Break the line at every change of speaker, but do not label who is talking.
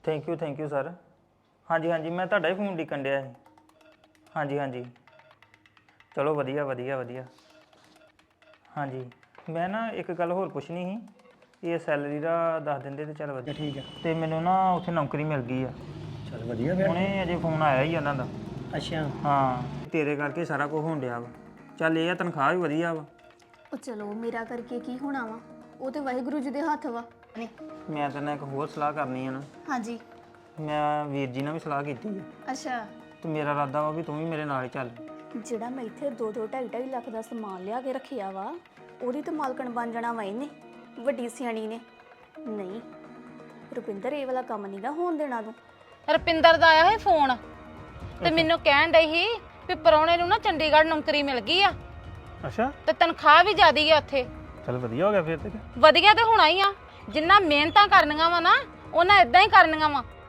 Thank you sir. ਹਾਂਜੀ ਮੈਂ ਤੁਹਾਡਾ ਹੀ ਫੋਨ ਡਿੱਕਣ ਡਿਆ ਸੀ। ਹਾਂਜੀ ਚਲੋ ਵਧੀਆ। ਹਾਂਜੀ ਮੈਂ ਨਾ ਇੱਕ ਗੱਲ ਹੋਰ ਪੁੱਛਣੀ ਸੀ। ਇਹ ਸੈਲਰੀ ਦਾ ਦੱਸ ਦਿੰਦੇ ਤੇ ਚੱਲ ਵਧੀਆ।
ਠੀਕ ਹੈ।
ਤੇ ਮੈਨੂੰ ਨਾ ਉੱਥੇ ਨੌਕਰੀ ਮਿਲ ਗਈ ਆ।
ਚੱਲ ਵਧੀਆ ਫਿਰ।
ਹੁਣੇ ਅਜੇ ਫੋਨ ਆਇਆ ਹੀ ਉਹਨਾਂ ਦਾ।
ਅੱਛਾ।
ਹਾਂ ਤੇਰੇ ਕਰਕੇ ਸਾਰਾ ਕੁਝ ਹੋਣ ਡਿਆ ਵਾ। ਚੱਲ ਇਹ ਆ ਤਨਖਾਹ ਵੀ ਵਧੀਆ ਵਾ।
ਉਹ ਚਲੋ ਮੇਰਾ ਕਰਕੇ ਕੀ ਹੋਣਾ ਵਾ, ਉਹ ਤੇ ਵਾਹਿਗੁਰੂ ਜੀ ਦੇ ਹੱਥ ਵਾ।
ਮੈਂ ਤੇਰੇ ਨਾਲ ਇੱਕ ਹੋਰ ਸਲਾਹ ਕਰਨੀ ਆ ਨਾ।
ਹਾਂਜੀ।
ਮੈਂ ਵੀਰ ਜੀ ਨਾਲ ਵੀ ਸਲਾਹ ਕੀਤੀ ਆ
ਅੱਛਾ।
ਤੇ ਮੇਰਾ ਇਰਾਦਾ ਵਾ ਵੀ ਤੂੰ ਵੀ ਮੇਰੇ ਨਾਲ ਹੀ ਚੱਲ।
ਜਿਹੜਾ ਮੈਂ ਇੱਥੇ 2-2 ਲੱਖ ਦਾ ਸਮਾਨ ਲਿਆ ਕੇ ਰੱਖਿਆ ਵਾ, ਉਹਦੀ ਤੇ ਮਾਲਕਣ ਬਣ ਜਾਣਾ ਵਾ ਇਹਨੇ, ਵੱਡੀ ਸਿਆਣੀ ਨੇ। ਨਹੀਂ ਰੁਪਿੰਦਰ, ਇਹ ਵਾਲਾ ਕੰਮ ਨਹੀਂਗਾ ਹੋਣ ਦੇਣਾ ਤੂੰ।
ਰੁਪਿੰਦਰ ਦਾ ਆਇਆ ਸੀ ਫੋਨ ਤੇ ਮੈਨੂੰ ਕਹਿਣ ਡਈ ਸੀ ਵੀ ਪਰੌਣੇ ਨੂੰ ਨਾ ਚੰਡੀਗੜ੍ਹ ਨੌਕਰੀ ਮਿਲ ਗਈ ਆ।
ਅੱਛਾ।
ਤੇ ਤਨਖਾਹ ਵੀ ਜ਼ਿਆਦੀ ਆ ਉੱਥੇ।
ਚੱਲ ਵਧੀਆ ਹੋ ਗਿਆ ਫਿਰ ਤੇ।
ਵਧੀਆ ਤੇ ਹੋਣਾ ਹੀ ਆ। ਜਿੰਨਾ ਮਿਹਨਤਾਂ ਕਰਨੀਆਂ ਵਾ ਨਾ ਉਹਨਾਂ ਇਦਾਂ ਹੀ ਕਰਨੀਆਂ ਵਾ।